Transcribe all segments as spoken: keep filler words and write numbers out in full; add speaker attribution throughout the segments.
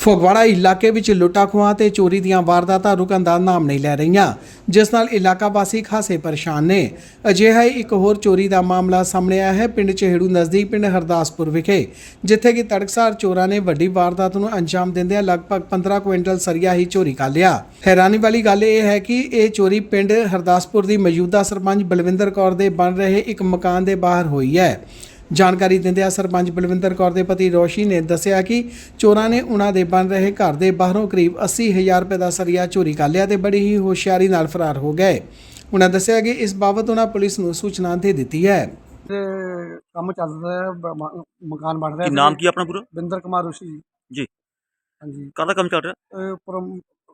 Speaker 1: ਫਗਵਾੜਾ ਇਲਾਕੇ ਵਿੱਚ ਲੁੱਟਾਂ ਖੋਹਾਂ ਤੇ ਚੋਰੀ ਦੀਆਂ ਵਾਰਦਾਤਾਂ ਰੁਕਣ ਦਾ ਨਾਮ ਨਹੀਂ ਲੈ ਰਹੀਆਂ, ਜਿਸ ਨਾਲ ਇਲਾਕਾ ਵਾਸੀ ਖਾਸੇ ਪਰੇਸ਼ਾਨ ਨੇ। ਅਜਿਹਾ ਹੀ ਇੱਕ ਹੋਰ ਚੋਰੀ ਦਾ ਮਾਮਲਾ ਸਾਹਮਣੇ ਆਇਆ ਹੈ ਪਿੰਡ ਚਹੇੜੂ ਨਜ਼ਦੀਕ ਪਿੰਡ ਹਰਦਾਸਪੁਰ ਵਿਖੇ, ਜਿੱਥੇ ਕਿ ਤੜਕਸਾਰ ਚੋਰਾਂ ਨੇ ਵੱਡੀ ਵਾਰਦਾਤ ਨੂੰ ਅੰਜਾਮ ਦਿੰਦਿਆਂ ਲਗਭਗ ਪੰਦਰਾਂ ਕੁਇੰਟਲ ਸਰੀਆ ਹੀ ਚੋਰੀ ਕਰ ਲਿਆ। ਹੈਰਾਨੀ ਵਾਲੀ ਗੱਲ ਇਹ ਹੈ ਕਿ ਇਹ ਚੋਰੀ ਪਿੰਡ ਹਰਦਾਸਪੁਰ ਦੀ ਮੌਜੂਦਾ ਸਰਪੰਚ ਬਲਵਿੰਦਰ ਕੌਰ ਦੇ ਬਣ ਰਹੇ ਇੱਕ ਮਕਾਨ ਦੇ ਬਾਹਰ ਹੋਈ ਹੈ। ਜਾਣਕਾਰੀ ਦਿੰਦਿਆਂ ਸਰਪੰਚ ਬਲਵਿੰਦਰ ਕੌਰ ਦੇ ਪਤੀ ਰੋਸ਼ੀ ਨੇ ਦੱਸਿਆ ਕਿ ਚੋਰਾਂ ਨੇ ਉਹਨਾਂ ਦੇ ਬਣ ਰਹੇ ਘਰ ਦੇ ਬਾਹਰੋਂ ਕਰੀਬ अस्सी हज़ार ਰੁਪਏ ਦਾ ਸਰੀਆ ਚੋਰੀ ਕਰ ਲਿਆ ਤੇ ਬੜੀ ਹੀ ਹੋਸ਼ਿਆਰੀ ਨਾਲ ਫਰਾਰ ਹੋ ਗਏ। ਉਹਨਾਂ ਦੱਸਿਆ ਕਿ ਇਸ ਬਾਬਤ ਉਹਨਾਂ ਪੁਲਿਸ ਨੂੰ ਸੂਚਨਾ ਦੇ ਦਿੱਤੀ ਹੈ।
Speaker 2: ਤੇ ਕੰਮ ਚੱਲ ਰਿਹਾ ਹੈ, ਬ- ਮ- ਮਕਾਨ ਬਣ ਰਿਹਾ
Speaker 3: ਕੀ ਨਾਮ ਕੀ ਆਪਣਾ ਪੂਰਾ
Speaker 2: ਬਿੰਦਰ ਕੁਮਾਰ ਰੋਸ਼ੀ ਜੀ।
Speaker 3: ਜੀ
Speaker 2: ਹਾਂਜੀ,
Speaker 3: ਕਾਹਦਾ ਕੰਮ ਚੱਲ ਰਿਹਾ
Speaker 2: ਇਹ ਉੱਪਰ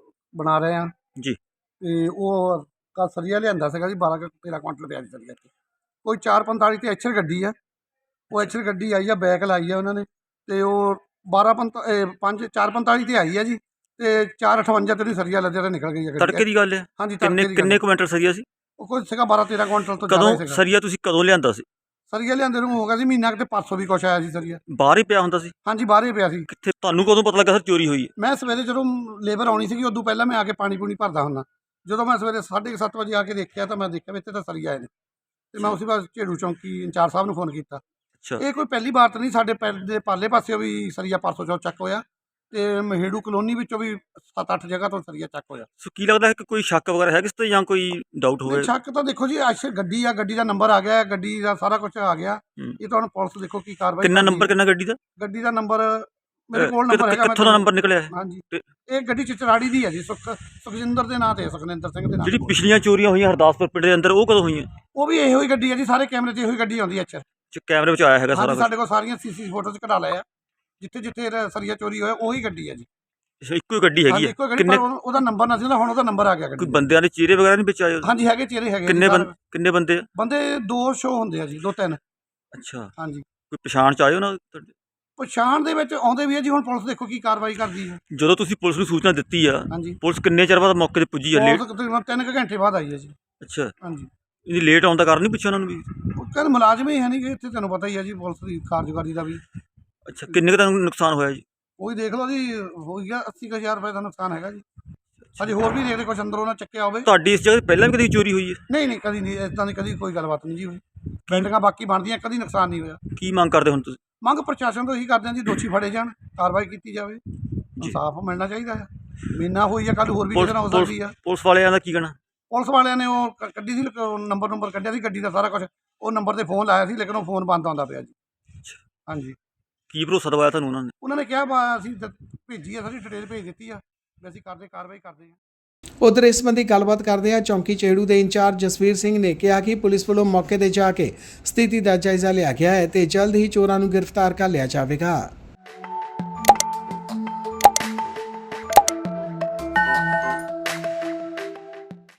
Speaker 2: ਬਣਾ ਰਹੇ ਆ
Speaker 3: ਜੀ?
Speaker 2: ਤੇ ਉਹ ਕੱਲ ਸਰੀਆ ਲਿਆਂਦਾ ਸੀਗਾ ਜੀ ਬਾਰਾਂ ਕੁ ਤੇਰਾਂ ਕੁਇੰਟਲ ਪਿਆ ਜੀ ਸਰੀਆ ਤੇ ਕੋਈ ਚਾਰ ਪੰਤਾਲੀ ਤੇ ਐਚਰ ਗੱਡੀ ਆ, ਉਹ ਐਚਰ ਗੱਡੀ ਆਈ ਆ, ਬੈਕ ਲਾਈ ਆ ਉਹਨਾਂ ਨੇ ਤੇ ਉਹ ਬਾਰਾਂ ਪੰਤਾ ਪੰਜ ਚਾਰ ਪੰਤਾਲੀ ਤੇ ਆਈ ਆ ਜੀ ਤੇ ਚਾਰ ਅਠਵੰਜਾ ਤੇ ਸਰੀਆ ਲੱਦਿਆ ਤੇ ਨਿਕਲ ਗਈ ਆ ਗੱਡੀ।
Speaker 3: ਤੜਕੇ ਦੀ ਗੱਲ ਹੈ।
Speaker 2: ਹਾਂਜੀ,
Speaker 3: ਕਿੰਨੇ
Speaker 2: ਤੜਕੇ ਦੀ
Speaker 3: ਕਿੰਨੇ
Speaker 2: ਗੱਲ।
Speaker 3: ਕੁਇੰਟਲ ਸਰੀਆ ਸੀ?
Speaker 2: ਉਹ ਕੋਈ ਸੀਗਾ ਬਾਰਾਂ ਤੇਰਾਂ ਕੁਇੰਟਲ ਤੋਂ ਜ਼ਿਆਦਾ
Speaker 3: ਕਦੋਂ
Speaker 2: ਸੀਗਾ
Speaker 3: ਸਰੀਆ ਤੁਸੀਂ ਕਦੋਂ ਲਿਆਂਦਾ ਸੀ?
Speaker 2: ਸਰੀਆ ਲਿਆਂਦੇ ਨੂੰ ਹੋ ਗਿਆ ਸੀ ਮਹੀਨਾ ਕਿਤੇ ਪਰਸੋਂ ਵੀ ਕੁਛ ਆਇਆ ਸੀ ਸਰੀਆ।
Speaker 3: ਬਾਹਰ ਹੀ ਪਿਆ ਹੁੰਦਾ ਸੀ?
Speaker 2: ਹਾਂਜੀ, ਬਾਹਰ ਹੀ ਪਿਆ ਸੀ।
Speaker 3: ਕਿੱਥੇ ਤੁਹਾਨੂੰ ਕਦੋਂ ਪਤਾ ਲੱਗਾ ਸਰ ਚੋਰੀ ਹੋਈ ਹੈ?
Speaker 2: ਮੈਂ ਸਵੇਰੇ ਜਦੋਂ ਲੇਬਰ ਆਉਣੀ ਸੀਗੀ ਉਦੋਂ ਪਹਿਲਾਂ ਮੈਂ ਆ ਕੇ ਪਾਣੀ ਪੂਣੀ ਭਰਦਾ ਹੁੰਦਾ। ਜਦੋਂ ਮੈਂ ਸਵੇਰੇ ਸਾਢੇ ਕੁ ਸੱਤ ਵਜੇ ਆ ਕੇ ਦੇਖਿਆ ਤਾਂ ਮੈਂ ਦੇਖਿਆ ਵੀ ਇੱਥੇ ਤਾਂ ਸਰੀਆ ਆਏ ਨੇ ਤੇ ਮੈਂ ਉਸੇ ਬਾਅਦ ਝੇੜੂ ਚੌਂਕੀ ਇੰਚਾਰਜ ਸਾਹਿਬ ਨੂੰ ਫੋਨ ਕੀਤਾ।
Speaker 3: ਅੱਛਾ,
Speaker 2: ਇਹ ਕੋਈ ਪਹਿਲੀ ਵਾਰ ਤਾਂ ਨਹੀਂ, ਸਾਡੇ ਪਿੰਡ ਦੇ ਪਾਲੇ ਪਾਸਿਓਂ ਵੀ ਸਰੀਆ ਪਰਸੋਂ ਚੌਥ ਚੱਕ ਹੋਇਆ ਤੇ ਮਹੇੜੂ ਕਲੋਨੀ ਵਿੱਚੋਂ ਵੀ ਸੱਤ ਅੱਠ ਜਗ੍ਹਾ ਤੋਂ ਸਰੀਆ ਚੱਕ ਹੋਇਆ।
Speaker 3: ਸੋ ਕੀ ਲੱਗਦਾ ਹੈ ਕਿ ਕੋਈ ਸ਼ੱਕ ਵਗੈਰਾ ਹੈ ਕਿਸ ਤੇ ਜਾਂ ਕੋਈ ਡਾਊਟ ਹੋਵੇ?
Speaker 2: ਸ਼ੱਕ ਤਾਂ ਦੇਖੋ ਜੀ, ਅੱਛਾ ਗੱਡੀ ਆ, ਗੱਡੀ ਦਾ ਨੰਬਰ ਆ ਗਿਆ, ਗੱਡੀ ਦਾ ਸਾਰਾ ਕੁਝ ਆ ਗਿਆ।
Speaker 3: ਹੂੰ।
Speaker 2: ਇਹ ਤਾਂ ਹੁਣ ਪੁਲਿਸ ਦੇਖੋ ਕੀ ਕਾਰਵਾਈ
Speaker 3: ਕਿੰਨਾ
Speaker 2: ਕਰਦੀ
Speaker 3: ਨੰਬਰ
Speaker 2: ਹੈ।
Speaker 3: ਕਿੰਨਾ ਗੱਡੀ ਦਾ?
Speaker 2: ਗੱਡੀ ਦਾ ਨੰਬਰ ਮੇਰੇ
Speaker 3: ਅਹ,
Speaker 2: ਕੋਲ
Speaker 3: ਕਿੱਥੋਂ-
Speaker 2: ਨੰਬਰ ਹੈਗਾ। ਮੈਂ
Speaker 3: ਕਿੱਥੋਂ ਦਾ ਨੰਬਰ ਨਿਕਲਿਆ ਹੈ?
Speaker 2: ਹਾਂਜੀ,
Speaker 3: ਤੇ
Speaker 2: ਇਹ ਗੱਡੀ ਚਚਰਾੜੀ ਦੀ ਹੈ ਜੀ, ਸੁਖ ਸੁਖਜਿੰਦਰ ਦੇ ਨਾਂ ਤੇ, ਸੁਖਨਿੰਦਰ ਸਿੰਘ ਦੇ ਨਾਂ
Speaker 3: ਜਿਹੜੀ
Speaker 2: ਤੇ।
Speaker 3: ਪਿਛਲੀਆਂ ਚੋਰੀਆਂ ਹੋਈਆਂ ਹਰਦਾਸਪੁਰ ਪਿੰਡ ਦੇ ਅੰਦਰ ਉਹ ਕਦੋਂ ਹੋਈਆਂ?
Speaker 2: ਉਹ ਵੀ ਇਹੋ ਹੀ ਗੱਡੀ ਹੈ ਜੀ, ਸਾਰੇ ਕੈਮਰੇ 'ਚ ਇਹੋ ਹੀ ਗੱਡੀ ਆਉਂਦੀ ਹੈ। ਅੱਛਾ,
Speaker 3: ਚ ਕੈਮਰੇ ਵਿੱਚ ਆਇਆ ਹੈਗਾ ਸਾਰਾ
Speaker 2: ਹਾਂਜੀ,
Speaker 3: ਕੁਛ?
Speaker 2: ਸਾਡੇ ਕੋਲ ਸਾਰੀਆਂ ਸੀਸੀ ਫੋਟੋਜ਼ ਕਢਾ ਲਏ ਆ, ਜਿੱਥੇ ਜਿੱਥੇ ਇਹਦਾ ਸਰੀਆ ਚੋਰੀ ਹੋਇਆ ਉਹੀ ਗੱਡੀ ਹੈ ਜੀ।
Speaker 3: ਅੱਛਾ, ਇੱਕੋ ਹੀ ਗੱਡੀ ਹੈਗੀ
Speaker 2: ਹਾਂਜੀ,
Speaker 3: ਹੈ?
Speaker 2: ਇੱਕੋ ਗੱਡੀ,
Speaker 3: ਕਿੰਨੇ
Speaker 2: ਪਰ ਉਹਨੂੰ- ਉਹਦਾ ਨੰਬਰ ਨਾ ਸੀ, ਹੁਣ ਉਹਦਾ ਨੰਬਰ ਆ ਗਿਆ
Speaker 3: ਕੋਈ
Speaker 2: ਗੱਡੀ।
Speaker 3: ਬੰਦਿਆਂ ਦੇ ਚਿਹਰੇ ਵਗੈਰਾ ਨਹੀਂ ਵਿੱਚ ਆਏ ਉਹਦੇ?
Speaker 2: ਹਾਂਜੀ, ਹੈਗੇ ਚਿਹਰੇ ਹੈਗੇ।
Speaker 3: ਕਿੰਨੇ
Speaker 2: ਜੀ,
Speaker 3: ਬੰਦੇ
Speaker 2: ਸਾਰੇ
Speaker 3: ਕਿੰਨੇ ਬੰਦੇ?
Speaker 2: ਬੰਦੇ ਦੋ ਸ਼ੋ ਹੁੰਦੇ ਆ ਜੀ, ਦੋ ਤਿੰਨ।
Speaker 3: ਅੱਛਾ,
Speaker 2: ਹਾਂਜੀ,
Speaker 3: ਕੋਈ ਪਛਾਣ ਚ ਆਏ ਉਹਨਾਂ ਤੁਹਾਡੇ?
Speaker 2: ਪਛਾਣ ਦੇ ਵਿੱਚ ਆਉਂਦੇ ਵੀ ਹੈ ਜੀ। ਹੁਣ ਪੁਲਿਸ ਦੇਖੋ ਕੀ ਕਾਰਵਾਈ ਕਰਦੀ ਹੈ।
Speaker 3: ਜਦੋਂ ਤੁਸੀਂ ਪੁਲਿਸ ਨੂੰ ਸੂਚਨਾ ਦਿੱਤੀ ਆ,
Speaker 2: ਹਾਂਜੀ,
Speaker 3: ਪੁਲਿਸ ਕਿੰਨੇ ਚਿਰ ਬਾਅਦ ਮੌਕੇ ਤੇ ਪੁੱਜੀ ਆ? ਲੇਟ?
Speaker 2: ਪੁਲਿਸ ਤਕਰੀਬਨ ਤਿੰਨ ਕੁ ਘੰਟੇ ਬਾਅਦ ਆਈ ਹੈ ਜੀ।
Speaker 3: ਅੱਛਾ,
Speaker 2: ਹਾਂਜੀ,
Speaker 3: ਇਹਦੀ ਲੇਟ ਆਉਣ ਦਾ ਕਾਰਨ ਨਹੀਂ ਪੁੱਛਿਆ ਉਹਨਾਂ ਨੂੰ ਵੀ?
Speaker 2: ਉਹ ਕਹਿੰਦੇ ਮੁਲਾਜ਼ਮ ਹੀ ਹੈ ਨਹੀਂ ਕਿ ਇੱਥੇ, ਤੁਹਾਨੂੰ ਪਤਾ ਹੀ ਹੈ ਜੀ ਪੁਲਿਸ ਦੀ ਕਾਰਜਕਾਰੀ ਦਾ ਵੀ।
Speaker 3: ਅੱਛਾ, ਕਿੰਨੇ ਕੁ ਦਾ ਨੁਕਸਾਨ ਹੋਇਆ ਜੀ?
Speaker 2: ਉਹੀ ਦੇਖ ਲਓ ਜੀ, ਹੋ ਗਿਆ ਅੱਸੀ ਕੁ ਹਜ਼ਾਰ ਰੁਪਏ ਦਾ ਨੁਕਸਾਨ ਹੈਗਾ ਜੀ। ਹਜੇ ਹੋਰ ਵੀ ਦੇਖਦੇ ਕੁਛ ਅੰਦਰੋਂ ਨਾ ਚੱਕਿਆ ਹੋਵੇ।
Speaker 3: ਤੁਹਾਡੀ ਇਸ ਜਗ੍ਹਾ ਤੇ ਪਹਿਲਾਂ ਵੀ ਕਦੀ ਚੋਰੀ ਹੋਈ ਹੈ?
Speaker 2: ਨਹੀਂ ਨਹੀਂ, ਕਦੀ ਨਹੀਂ, ਇੱਦਾਂ ਦੀ ਕਦੀ ਕੋਈ ਗੱਲਬਾਤ ਨਹੀਂ ਜੀ ਹੋਈ। ਬਿਲਡਿੰਗਾਂ ਬਾਕੀ ਬਣਦੀਆਂ, ਕਦੀ ਨੁਕਸਾਨ ਨਹੀਂ ਹੋਇਆ।
Speaker 3: ਕੀ ਮੰਗ ਕਰਦੇ ਹੁਣ ਤੁਸੀਂ?
Speaker 2: ਮੰਗ ਪ੍ਰਸ਼ਾਸਨ ਤੋਂ ਇਹੀ ਕਰਦੇ ਹਾਂ ਜੀ, ਦੋਸ਼ੀ ਫੜੇ ਜਾਣ, ਕਾਰਵਾਈ ਕੀਤੀ ਜਾਵੇ, ਇਨਸਾਫ ਮਿਲਣਾ ਚਾਹੀਦਾ ਹੈ। ਮਹੀਨਾ ਹੋਈ ਆ, ਕੱਲ ਹੋਰ ਵੀ ਕਿਸੇ ਨਾਲ ਹੋ
Speaker 3: ਪੁਲਿਸ
Speaker 2: ਸਕਦੀ ਆ।
Speaker 3: ਪੁਲਿਸ ਵਾਲਿਆਂ ਦਾ ਕੀ ਕਹਿਣਾ?
Speaker 2: ਪੁਲਿਸ ਵਾਲਿਆਂ ਨੇ ਉਹ ਕ- ਕੱਢੀ ਸੀ, ਨੰਬਰ ਨੰਬਰ ਕੱਢਿਆ ਸੀ ਗੱਡੀ ਦਾ ਸਾਰਾ ਕੁਝ, ਉਹ ਨੰਬਰ ਤੇ ਫੋਨ ਲਾਇਆ ਸੀ, ਲੇਕਿਨ ਉਹ ਫੋਨ ਬੰਦ ਆਉਂਦਾ ਪਿਆ ਜੀ। ਹਾਂਜੀ,
Speaker 3: ਕੀ ਭਰੋਸਾ ਦਵਾਇਆ ਤੁਹਾਨੂੰ ਉਹਨਾਂ ਨੇ?
Speaker 2: ਉਹਨਾਂ ਨੇ ਕਿਹਾ ਬਾ ਅਸੀਂ ਦ- ਭੇਜੀ ਆ, ਸਾਡੀ ਡਿਟੇਲ ਭੇਜ ਦਿੱਤੀ ਆ, ਵੀ ਅਸੀਂ ਕਰਦੇ ਕਾਰਵਾਈ ਕਰਦੇ ਹਾਂ।
Speaker 1: ਉਧਰ ਇਸ ਸੰਬੰਧੀ ਗੱਲਬਾਤ ਕਰਦਿਆਂ ਚੌਂਕੀ ਚਹੇੜੂ ਦੇ ਇੰਚਾਰਜ ਜਸਵੀਰ ਸਿੰਘ ਨੇ ਕਿਹਾ ਕਿ ਪੁਲਿਸ ਵੱਲੋਂ ਮੌਕੇ ਤੇ ਜਾ ਕੇ ਸਥਿਤੀ ਦਾ ਜਾਇਜ਼ਾ ਲਿਆ ਗਿਆ ਹੈ ਤੇ ਜਲਦ ਹੀ ਚੋਰਾਂ ਨੂੰ ਗ੍ਰਿਫਤਾਰ ਕਰ ਲਿਆ ਜਾਵੇਗਾ।